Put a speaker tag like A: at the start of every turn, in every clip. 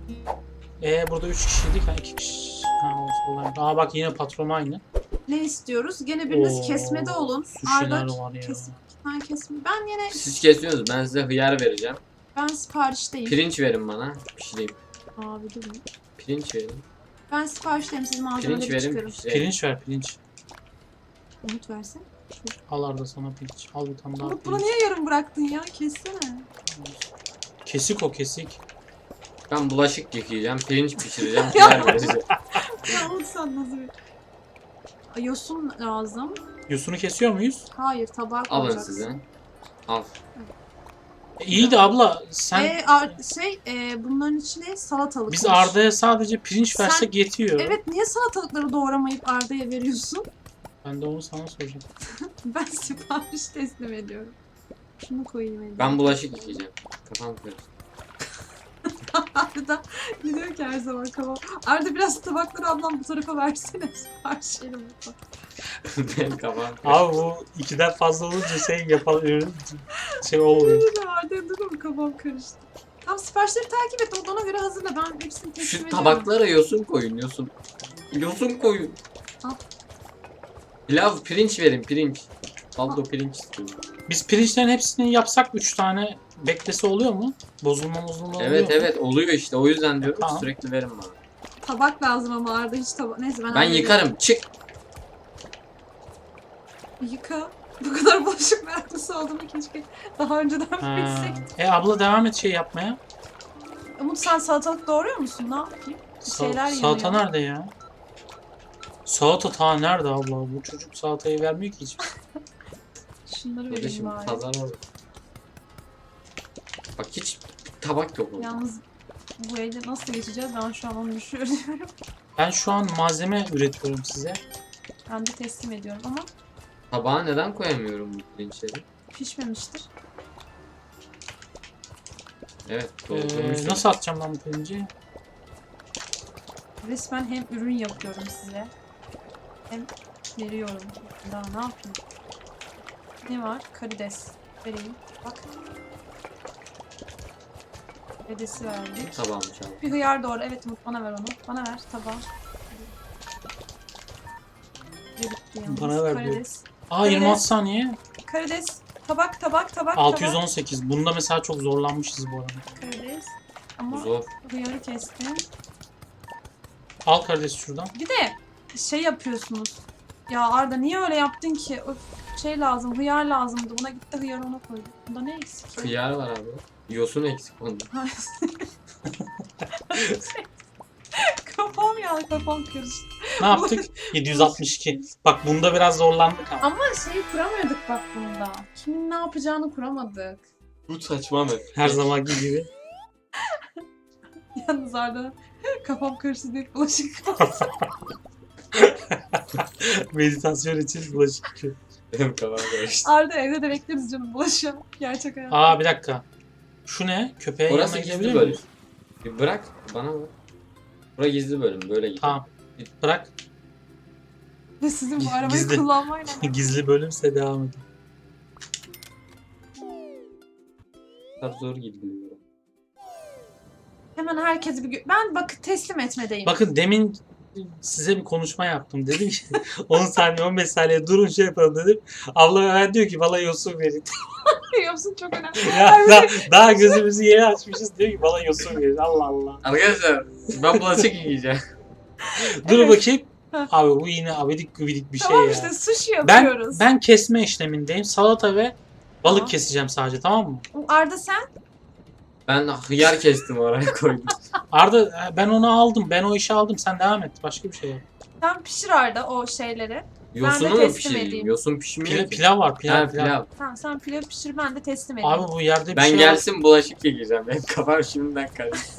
A: Burada 3 kişiydik. Ha 2 kişi. Ha olsun. Aa bak yine patron aynı.
B: Ne istiyoruz? Gene biriniz
A: Oo,
B: kesmede olun.
A: suşiler
B: Arda
A: var ya.
B: ben kesme. Ben yine
C: Siz kesiyorsunuz. Ben size hıyar vereceğim.
B: ben siparişteyim.
C: Pirinç verin bana. Pişireyim.
B: Abi dur.
C: Pirinç verin.
B: Ben siparişteyim. Siz
C: Pirinç
B: malzemeleri
C: verin.
B: çıkarın.
C: Pişireyim.
A: Pirinç ver pirinç.
B: Umut versin.
A: Al Arda sana pirinç. Al bir tane daha
B: Umut bunu
A: pirinç.
B: niye yarım bıraktın ya? Kessene.
A: Kesik o kesik.
C: Ben bulaşık yıkayacağım. Pirinç pişireceğim. Hıyar vereceğim.
B: Ya Umut sen nasıl bir... Yosun lazım.
A: Yosunu kesiyor muyuz?
B: Hayır tabağa
C: Alın
B: koyacaksın.
C: size. Al.
A: İyi de abla sen
B: Bunların içine salatalık
A: biz
B: koy.
A: Arda'ya sadece pirinç
B: Sen-
A: versek yetiyor.
B: Evet niye salatalıkları doğramayıp Arda'ya veriyorsun?
A: Ben de onu sana soracağım.
B: Ben sipariş teslim ediyorum. Şunu koyayım eline.
C: Ben bulaşık yıkayacağım. Kafam karıştı.
B: Arda diyor ki her zaman kafam. Arda biraz tabakları ablam bu tarafa versene. Sipariş yerim bu.
C: Benim kafam karıştı.
A: Abi bu 2'den fazla olunca şey olmuyor.
B: Arda dur mu kafam karıştı. Tam siparişleri takip et. Ona göre hazırla. Ben hepsini teslim
C: Şu
B: ediyorum.
C: tabaklara yosun koyun. Yosun. Yosun koyun.
B: Al.
C: Pilav pirinç verin pirinç. Baldo pirinç istiyorum.
A: Biz pirinçlerin hepsini yapsak 3 tane beklese oluyor mu? Bozulma oluyor
C: Evet
A: mu?
C: evet oluyor işte. O yüzden diyorum
A: Tamam.
C: sürekli verin bana.
B: Tabak lazım ama Arda hiç tabak. Neyse ben
C: Ben
B: hallederim.
C: yıkarım. Çık.
B: Yıka. Bu kadar bulaşık meraklısı olduğumu keşke daha önceden
A: Ha.
B: bilsek.
A: Abla devam et şey yapmaya.
B: Umut sen salatalık doğruyor musun? Ne yapayım? Bir şeyler
A: Salata
B: yanıyor.
A: nerede ya? Salata ta nerede abla? Bu çocuk salatayı vermiyor ki hiç.
B: Şunları vereyim
C: Kardeşim
B: bari.
C: pazar orada. Bak hiç tabak yok orada.
B: Yalnız bu evde nasıl geçeceğiz ben şu an onu düşünüyorum.
A: Ben şu an malzeme üretiyorum size.
B: Ben de teslim ediyorum ama
C: Tabağa neden koyamıyorum bu pirinçleri?
B: pişmemiştir.
C: Evet doldurmuşsun.
A: Nasıl atacağım ben bu pirinci?
B: Resmen hem ürün yapıyorum size hem veriyorum. Daha ne yapayım? Ne var? Karides. Vereyim. Bak. Karidesi verdik.
C: Tabağımı çaldım.
B: Bir hıyar doğru. Evet Umut bana ver onu. Bana ver tabağı. Bir bitti yalnız.
A: Bana ver diyor.
B: Karides.
A: Aa 26
B: Karides.
A: saniye.
B: Karides. Tabak.
A: 618. Bunda mesela çok zorlanmışız bu arada.
B: Karides. Ama
C: Zor.
B: hıyarı kestim.
A: Al kardeş şuradan.
B: Bir de şey yapıyorsunuz. Ya Arda niye öyle yaptın ki? Öf, şey lazım, hıyar lazımdı. Buna gitti hıyarı ona koydu. Bunda ne eksik? ya?
C: Kıyar var abi. Yosun eksik onda.
B: Kafam karıştı.
A: Ne yaptık? 762. Bak bunda biraz zorlandık ama.
B: Ama şeyi kuramıyorduk bak bunda. Kimin ne yapacağını kuramadık.
C: Bu saçma mı?
A: Her zamanki gibi.
B: Yalnız Arda kafam karıştı deyip bulaşık.
A: Meditasyon için bulaşık yıkıyor.
C: Benim kafam karıştı.
B: Arda evde de bekleriz canım bulaşığı. Gerçek hayat.
A: Aa bir dakika. Şu ne? Köpeğe
C: Orası
A: yanına
C: gizli
A: gidebilir
C: bölüm.
A: miyiz?
C: Bir bırak bana bak. Bura gizli bölüm böyle git.
A: Tamam. Bırak.
B: Ve sizin bu arabayı
A: Gizli.
B: kullanmayla.
A: Gizli bölümse devam edin.
C: Çok zor gidiyor.
B: Hemen herkesi bir... Ben bak teslim etmedeyim.
A: Bakın demin size bir konuşma yaptım. Dedim ki 10 saniye 15 saniye durun şey yapalım dedim. Abla hemen diyor ki bana yosun verin.
B: Yapsın çok önemli.
A: Ya daha gözümüzü yeni açmışız diyor ki bana yosun verin. Allah Allah.
C: Arkadaşlar ben bulaşık yiyeceğim.
A: Dur
B: Evet.
A: bakayım.
B: Heh.
A: Abi bu yine abidik gubidik bir şey
B: Tamam
A: ya.
B: işte sushi
A: Ben
B: yapıyoruz.
A: ben kesme işlemindeyim. Salata ve balık
B: Tamam.
A: keseceğim sadece, tamam mı?
B: Arda sen?
C: Ben hıyar kestim oraya koydum.
A: Arda ben onu aldım. Ben o işi aldım. Sen devam et. Başka bir şey yap.
B: Sen pişir Arda o şeyleri.
C: Yosunu mu
B: teslim
C: pişireyim?
B: edeyim.
C: Yosun pişmiyor ki.
A: Pilav var. Pilav,
C: Ha,
A: pilav.
C: pilav.
B: Tamam sen pilav pişir ben de teslim edeyim.
A: Abi bu yerde bir
C: Ben
A: şey
C: gelsin bulaşık yiyeceğim. Benim kafam şimdiden karıştı.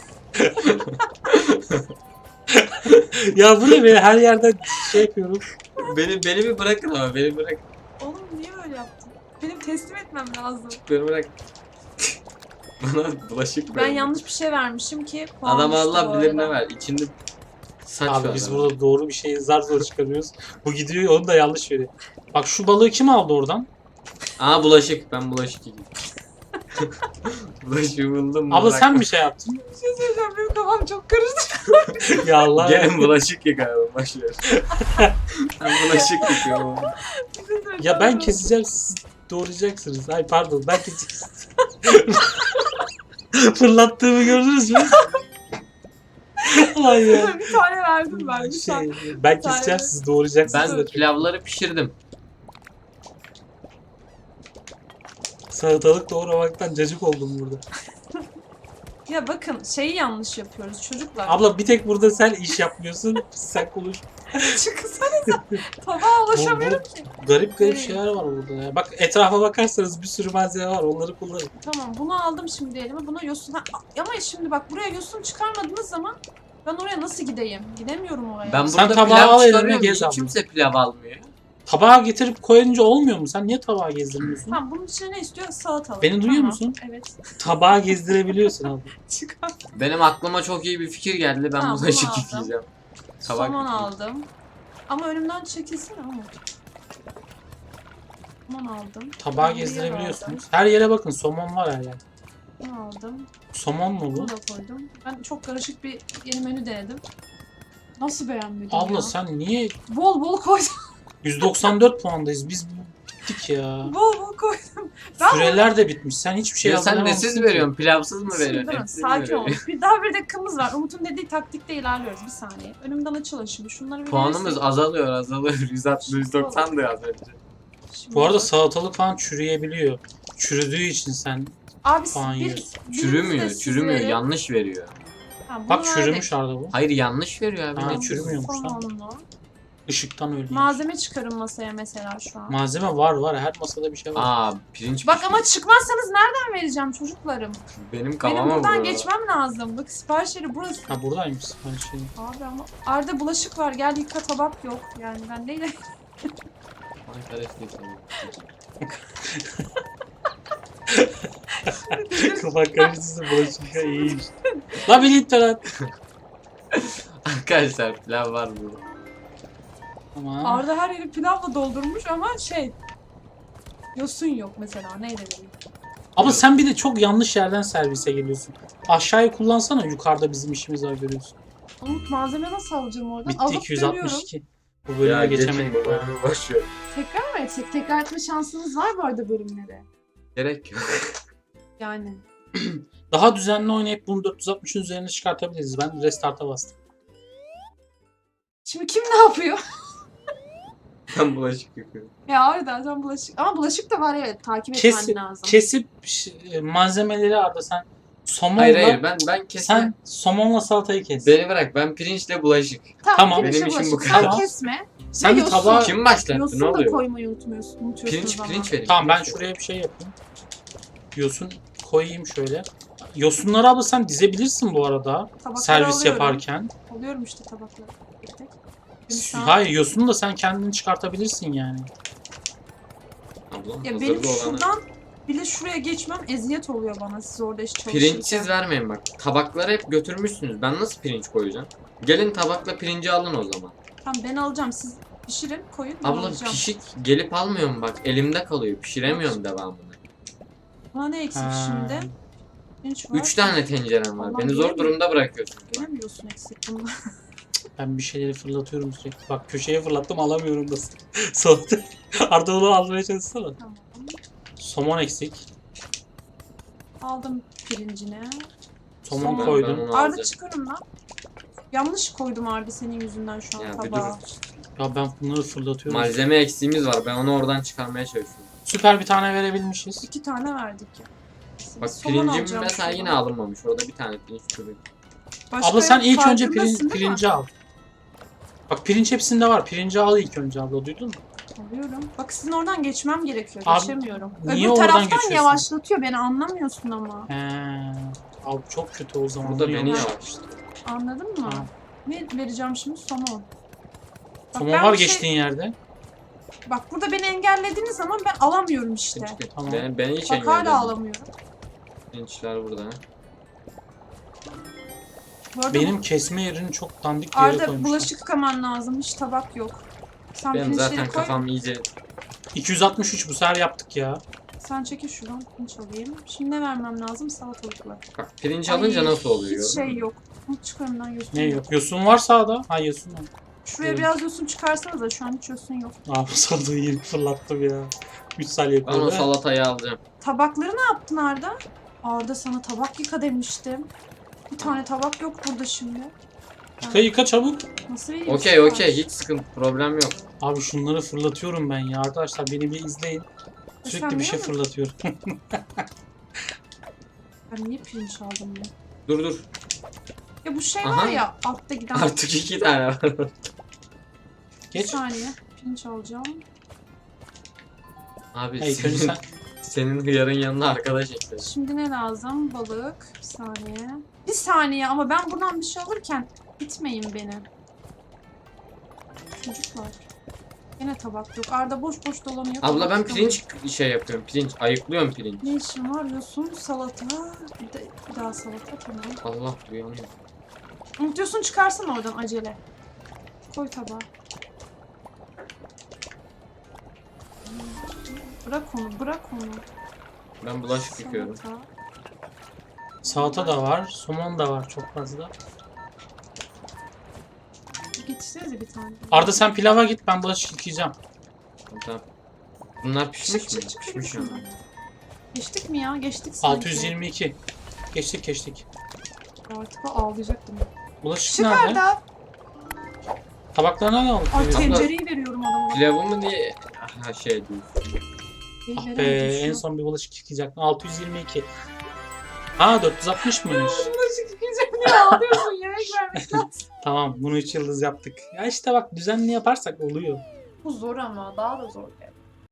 A: Ya bu ne be? Her yerden şey yapıyorum.
C: beni bir bırakın ama beni bırak.
B: Oğlum niye öyle yaptın? Benim teslim etmem lazım.
C: Beni bırak. Bana bulaşık
B: Ben
C: ver.
B: yanlış bir şey vermişim ki puan
C: Adam
B: düştü
C: Allah
B: bu
C: bilir ne
B: arada.
C: ver. İçinde saç
A: Abi
C: var.
A: biz
C: ama.
A: burada doğru bir şeyi zar zor çıkarıyoruz. Bu gidiyor onu da yanlış veriyor. Bak şu balığı kim aldı oradan?
C: Aa bulaşık. Ben bulaşık yiyeceğim. Bulaşığı buldum.
A: Abla sen bir şey yaptın.
B: Bir şey söyleyeceğim, benim kafam çok karıştı.
A: Ya Allah.
C: Gelin bulaşık yıkayalım. Başlıyor. Ben bulaşık yıkıyorum.
B: Bir şey söyleyeceğim.
A: Ya ben keseceğim, siz doğrayacaksınız. Ay pardon, ben keseceğim. Fırlattığımı gördünüz mü? Ay ya.
B: Bir tane verdim ben. Bir tane.
A: Ben keseceğim, siz doğrayacaksınız.
C: Ben pilavları pişirdim.
A: Salatalık doğramaktan cacık oldum burada.
B: Ya bakın şeyi yanlış yapıyoruz çocuklar.
A: Abla bir tek burada sen iş yapmıyorsun. Sen konuş.
B: Çıksanıza. Tabağa ulaşamıyorum ki.
A: Garip garip
B: Evet.
A: şeyler var burada ya. Bak etrafa bakarsanız bir sürü malzeme var. Onları kullanın.
B: Tamam bunu aldım şimdi elime. Buna yosun... Ha, ama şimdi bak buraya yosun çıkarmadığınız zaman ben oraya nasıl gideyim? Gidemiyorum oraya.
C: Ben
A: Sen
C: burada
A: tabağı
C: pilav
A: al eline,
C: çıkarıyorum.
A: gez
C: Niye
A: abla.
C: kimse pilav almıyor?
A: Tabağa getirip koyunca olmuyor mu? Sen niye tabağa gezdirmiyorsun?
B: Tamam bunun içine ne istiyor? Salatalık.
A: Beni duyuyor
B: Tamam,
A: musun?
B: Evet.
A: Tabağa gezdirebiliyorsun abla.
B: Çıkar.
C: Benim aklıma çok iyi bir fikir geldi. Ben
B: Tamam,
C: bulaşık
B: bunu aldım.
C: yıkayacağım. Tabak
B: Somon
C: yıkayayım.
B: aldım. Ama önümden çekilsene Umut. Somon aldım.
A: Tabağa
B: Buraya
A: gezdirebiliyorsunuz. Her yere bakın, somon var her yerde.
B: aldım. Bunu aldım.
A: Somon mu bu?
B: Bunu da koydum. Ben çok karışık bir yeni menü denedim. Nasıl beğenmedin
A: Abla
B: ya?
A: sen niye
B: Bol bol koydum.
A: 194 puandayız. Biz bittik ya.
B: Bol bol koydum. Ben
A: Süreler de bitmiş. Sen hiçbir şey
C: Ya sen
A: hazırlamamışsın
C: nesiz
A: ki.
C: veriyorsun? Pilavsız mı
B: Şimdi
C: veriyorsun?
B: durun,
C: Etsiz mi
B: sakin ol.
C: veriyorsun?
B: Bir daha bir dakikamız var. Umut'un dediği taktikte ilerliyoruz. Bir saniye. Önümden açılın şimdi. Şunları bir
C: Puanımız
B: verirsek.
C: azalıyor. 160, 190 da az önce.
B: Şimdi
A: Bu arada
B: bak.
A: salatalık falan çürüyebiliyor. Çürüdüğü için sen...
B: Abi
A: puan
B: bir,
A: yiyorsun.
C: Çürümüyor,
B: biriniz de
C: çürümüyor.
B: sizlere-
C: Yanlış veriyor.
B: Ha, bunu
A: Bak
B: verdik.
A: çürümüş Arda bu.
C: Hayır yanlış veriyor abi.
A: Ha,
C: Ne
A: çürümüyormuş lan.
B: Somonlu.
A: Işıktan öyle.
B: Malzeme çıkarın masaya mesela şu an.
A: Malzeme var. Her masada bir şey var.
C: Aa pirinç
B: Bak
C: pişmiş.
B: ama çıkmazsanız nereden vereceğim çocuklarım?
C: Benim
B: Benim
C: kafama
B: buradan
C: vuruyor.
B: geçmem lazım. Bak sipariş yeri burası.
A: Ha buradaymış. Her şey.
B: Abi ama Arda bulaşık var. Gel yıka, tabak yok. Yani ben neyle...
C: Ay, karıştı sana.
A: Kafa karıştırsa bulaşık ya iyiymiş. La bir litre lan.
C: Arkadaşlar pilav var burada.
A: Tamam.
B: Arda her yeri pilavla doldurmuş ama şey... Yosun yok mesela. Neyle vereyim?
A: Ama sen bir de çok yanlış yerden servise geliyorsun. Aşağıyı kullansana, yukarıda bizim işimiz var görüyorsun.
B: Umut malzeme nasıl alacağım oradan?
A: Bitti
B: Alıp dönüyorum.
A: 262. Bu bölüme geçemedik.
C: geçin
A: ya.
C: bunu, boş ver.
B: Tekrar mı etsek? Tekrar etme şansınız var bu arada bölümlere.
C: Gerek yok.
B: Yani.
A: Daha düzenli oynayıp bunu 460'ın üzerine çıkartabiliriz. Ben restart'a bastım.
B: Şimdi kim ne yapıyor?
C: Ben bulaşık yıkıyorum.
B: Ya Arda sen bulaşık... Ama bulaşık da var evet. Takip
A: Kesip,
B: etmen lazım.
A: kesip malzemeleri Arda sen somonla,
C: Hayır ben kesme.
A: sen somonla salatayı kes.
C: Beni bırak ben pirinçle bulaşık.
A: Tamam.
B: pirinçle
C: Benim işim bu
B: bulaşık.
C: kadar.
B: Sen
A: Tamam.
B: kesme.
A: Sen de
B: yosun.
A: tabağa...
C: Kim başlattı
B: Yosun
C: ne
B: da
C: oluyor?
B: koymayı unutuyorsun ama.
C: Pirinç verin.
A: Tamam ben
C: pirinç verin.
A: şuraya bir şey yapayım. Yosun koyayım şöyle. Yosunları abla sen dizebilirsin bu arada.
B: Tabakları
A: Servis
B: alıyorum.
A: yaparken.
B: Alıyorum işte tabakları. Tek tek. Şimdi sen-
A: Hayır yosunu da sen kendin çıkartabilirsin yani.
C: Ablam
B: Ya
C: hazırda
B: benim
C: olanı.
B: şuradan bile şuraya geçmem eziyet oluyor bana siz orada iş çalışırken.
C: Pirinçsiz vermeyin bak. Tabakları hep götürmüşsünüz. Ben nasıl pirinç koyacağım? Gelin tabakla pirinci alın o zaman.
B: Tamam ben alacağım siz pişirin koyun ben
C: Abla
B: alacağım.
C: pişik gelip almıyorum bak. Elimde kalıyor. Pişiremiyorum devamını.
B: Bana ne eksik
A: Ha.
B: şimdi? Pirinç var.
C: 3 tane tencerem var.
B: Allah'ım,
C: Beni zor
B: gelin.
C: durumda bırakıyorsun.
B: Bilemiyorsun eksik bunu.
A: Ben bir şeyleri fırlatıyorum sürekli. Bak köşeye fırlattım alamıyorum da. Soğukta. Arda onu almaya çalışsana.
B: Tamam.
A: Somon eksik.
B: Aldım pirincini.
A: Somon
B: Somon.
A: koydum.
C: Ben onu
B: Arda
C: alacağım.
B: çıkarım lan. Yanlış koydum Arda senin yüzünden şu an
C: Ya bir
B: tabağa.
C: dur.
A: Ya ben bunları fırlatıyorum.
C: Malzeme eksiğimiz var. Ben onu oradan çıkarmaya çalışıyorum.
A: Süper bir tane verebilmişiz.
B: 2 tane verdik ya.
C: Bak
B: Somon
C: pirincim
B: alacağım
C: mesela
B: şuradan.
C: yine alınmamış. Orada bir tane pirinç çürük.
B: Başka
A: Abla sen
B: yok,
A: ilk önce
B: farkındasın değil mi?
A: pirinci al. Bak pirinç hepsinde var. Pirinci al ilk önce abla, duydun mu?
B: Alıyorum. Bak sizin oradan geçmem gerekiyor.
A: Abi,
B: Geçemiyorum.
A: niye
B: Öbür
A: oradan
B: taraftan
A: geçiyorsun?
B: yavaşlatıyor beni anlamıyorsun ama.
A: He. Abi çok kötü o zaman.
C: Burada
A: Onu
C: beni
A: yanlış-
C: yavaşladı.
B: Anladın mı?
A: Tamam.
B: Ne vereceğim şimdi? Somon. Bak
A: Somon
B: ben
A: var
B: bir şey-
A: geçtiğin yerde.
B: Bak burada beni engellediğiniz zaman ben alamıyorum işte.
A: Tamam.
C: Ben hiç
B: Bak hala
C: engellemedim.
B: alamıyorum.
C: Pirinçler burada.
B: Bu arada
A: Benim kesme yerini çok dandik bir yere
B: Arda
A: koymuşlar.
B: bulaşık yıkaman lazım. Hiç tabak yok. Sen
C: Benim
B: pirinçleri
C: zaten
B: koy.
C: kafam iyice
A: 263 bu sefer yaptık ya.
B: Sen çekil şuradan. Pirinç alayım. Şimdi ne vermem lazım? Salatalıkla.
C: Bak pirinci alınca
B: Ay,
C: nasıl oluyor?
B: Hiç şey yok. Bunu çıkar önden yosun.
A: Ne yok? Yosun var sağda. Ha yosun var.
B: Şuraya
A: Evet.
B: biraz yosun çıkarsanız da şu an hiç yosun yok.
A: Abi saldığı yeri fırlattım ya. 3 saniye
C: Ben o
A: kaldı.
C: salatayı alacağım.
B: Tabakları ne yaptın Arda? Arda sana tabak yıka demiştim. Bir tane tabak yok burada şimdi.
A: Yıka çabuk.
B: Nasıl vereyim?
C: Okey
B: Sipariş.
C: okey hiç sıkıntı problem yok.
A: Abi şunları fırlatıyorum ben ya. Arkadaşlar beni bir izleyin. Sürekli
B: Sen
A: bir şey
B: biliyor musun?
A: fırlatıyorum.
B: Ben niye pirinç aldım ya?
C: Dur.
B: Ya bu şey
C: Aha.
B: var ya altta giden.
C: Artık 2 tane var.
B: Bir
A: Geç.
B: saniye. Pirinç alacağım.
C: Abi
A: Hey, önce sen...
C: senin hıyarın yanına arkadaş ekledim.
B: Şimdi ne lazım? Balık. Bir saniye. Bir saniye ama ben buradan bir şey alırken itmeyin beni. Çocuklar. Yine tabak yok. Arda boş boş dolanıyor.
C: Abla
B: tabak
C: ben
B: yok.
C: pirinç şey yapıyorum. Pirinç ayıklıyorum pirinç.
B: Ne işin var? Yosun, salata. Bir daha salata tamam.
C: Allah uyanıyor.
B: Unutuyorsun çıkarsana oradan acele. Koy tabağa. Bırak onu.
C: Ben bulaşık yıkıyorum.
B: Salata.
A: Salata da var. Somon da var çok fazla.
B: Getirsenize bir tane.
A: Arda sen pilava git, ben bulaşık yıkayacağım.
C: Tamam. Bunlar pişmiş mi?
B: Çık,
C: Pişmiş
B: şuradan.
C: mi?
B: Geçtik mi ya? Geçtik sanki.
A: 622. Geçtik.
B: Artık ağlayacaktım.
A: Bulaşık
B: Çık
A: nerede?
B: Arda.
A: Tabaklarına ne oldu?
B: Ay
C: Abla-
B: tencereyi veriyorum adama.
C: Pilavımı diye ha şey değil.
A: Ah be,
B: Veremedim
A: en
B: şu.
A: son bir bulaşık yıkayacaktım. 622. Ha 460 mıymış?
B: Bulaşık yıkayacağım diye ağlıyorsun. Yemek vermek lazım.
A: Tamam, bunu 3 yıldız yaptık. Ya işte bak, düzenli yaparsak oluyor.
B: Bu zor ama daha da zor. Yani.